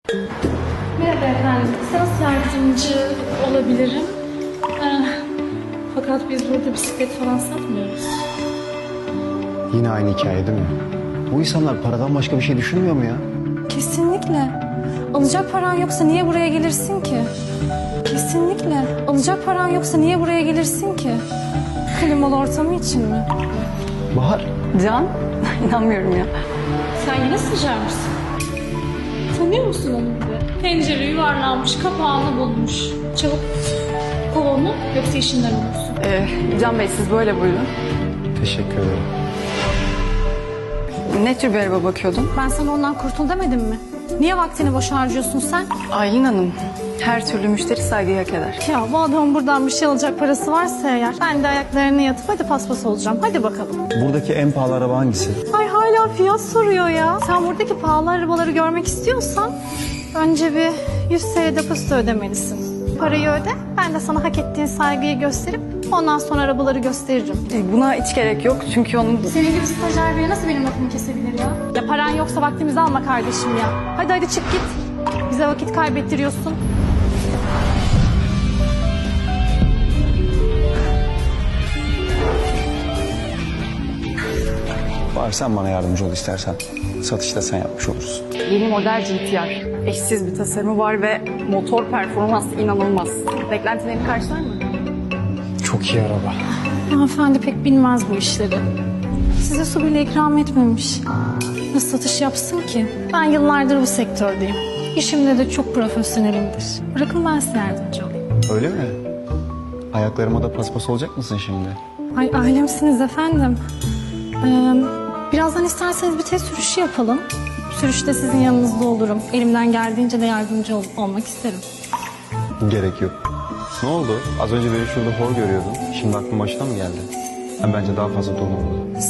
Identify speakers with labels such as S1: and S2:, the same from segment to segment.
S1: Merhaba efendim. Size nasıl yardımcı olabilirim? Fakat biz burada bisiklet falan satmıyoruz.
S2: Yine aynı hikaye değil mi? Bu insanlar paradan başka bir şey düşünmüyor mu ya?
S1: Kesinlikle. Alacak paran yoksa niye buraya gelirsin ki? Kesinlikle. Alacak paran yoksa niye buraya gelirsin ki? Klimalı ortamı için mi?
S2: Bahar,
S3: Can, inanmıyorum ya.
S1: Sen yine sıcar mısın? Tanıyor musun onu bir de? Pencere yuvarlanmış, kapağını bulmuş. Çabuk kov onu, yoksa işinden olursun.
S3: Can Bey siz böyle buyurun.
S2: teşekkür ederim.
S3: Ne tür bir araba bakıyordun?
S1: Ben sana ondan kurtul demedim mi? Niye vaktini boş harcıyorsun sen?
S3: Aylin Hanım, her türlü müşteri saygıyı hak eder.
S1: Ya bu adamın buradan bir şey alacak parası varsa eğer, ben de ayaklarını yatıp hadi paspas olacağım. Hadi bakalım.
S2: Buradaki en pahalı araba hangisi?
S1: Ay hala fiyat soruyor ya. Sen buradaki pahalı arabaları görmek istiyorsan önce bir 100 TL depozito ödemelisin. Parayı öde, ben de sana hak ettiğin saygıyı gösterip ondan sonra arabaları gösteririm.
S3: Buna hiç gerek yok çünkü onun...
S1: Senin gibi stajyer biri nasıl benim lafımı kesebilir ya? Ya paran yoksa vaktimizi alma kardeşim ya. Hadi çık git. Bize vakit kaybettiriyorsun.
S2: Bahar sen bana yardımcı ol istersen. Satışta sen yapmış olursun.
S3: Yeni model GTR. Eşsiz bir tasarımı var ve motor performansı inanılmaz. Beklentilerini karşılar mı?
S2: Çok iyi araba.
S1: Hanımefendi pek bilmez bu işleri. Size su bile ikram etmemiş. Nasıl satış yapsın ki? Ben yıllardır bu sektördeyim. İşimde de çok profesyonelimdir. Bırakın ben size yardımcı olayım.
S2: Öyle mi? Ayaklarıma da paspas olacak mısın şimdi?
S1: Ay ailemsiniz efendim. Birazdan isterseniz bir test sürüşü yapalım. Sürüşte sizin yanınızda olurum. Elimden geldiğince de yardımcı olmak isterim.
S2: Gerek yok. Ne oldu? Az önce beni şurada hor görüyordun. Şimdi aklın başına mı geldi? Bence daha fazla durmamalı.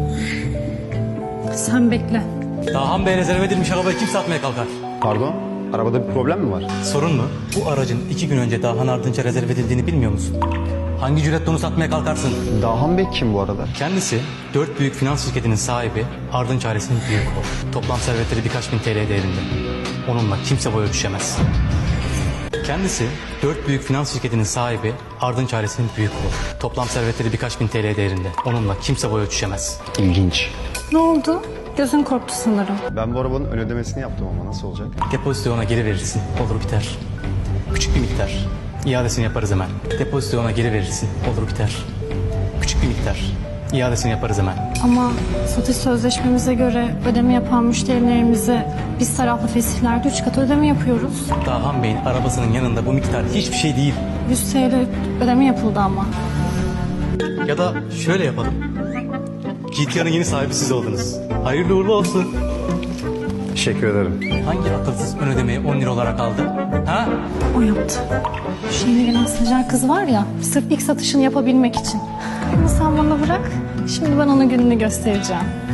S1: Sen bekle.
S4: Dahan Bey rezerve edilmiş arabayı kim satmaya kalkar?
S2: Pardon? Arabada bir problem mi var?
S4: Sorun mu? Bu aracın 2 gün önce Dahan Ardınç'a rezerve edildiğini bilmiyor musun? Hangi cüretle onu satmaya kalkarsın?
S2: Dahan Bey kim bu arada?
S4: Kendisi 4 büyük finans şirketinin sahibi, Ardınç ailesinin büyük oğlu. Toplam servetleri birkaç bin TL değerinde. Onunla kimse boy ölçüşemez. Kendisi 4 büyük finans şirketinin sahibi, Ardınç ailesinin büyük oğlu. Toplam servetleri birkaç bin TL değerinde. Onunla kimse boy ölçüşemez.
S2: İlginç.
S1: Ne oldu? Gözün korktu sanırım.
S2: Ben bu arabanın ön ödemesini yaptım ama nasıl olacak?
S4: Depozitoyu ona geri verirsin. Olur biter. Küçük bir miktar. İadesini yaparız hemen. Depozitoyu ona geri verirsin. Olur biter. Küçük bir miktar. İadesini yaparız hemen.
S1: Ama satış sözleşmemize göre ödeme yapan müşterilerimize biz taraflı fesihlerde 3 kat ödeme yapıyoruz.
S4: Dahan Bey'in arabasının yanında bu miktar hiçbir şey değil.
S1: 100 TL ödeme yapıldı ama.
S4: Ya da şöyle yapalım. GTA'nın yeni sahibi siz oldunuz. Hayırlı uğurlu olsun.
S2: Teşekkür ederim.
S4: Hangi akılsız ön ödemeyi 10 lira olarak aldı? Ha?
S1: O yaptı. Şu yeni gelen stajyer kız var ya, sırf ilk satışını yapabilmek için. Bunu sen bana bırak, şimdi ben ona gününü göstereceğim.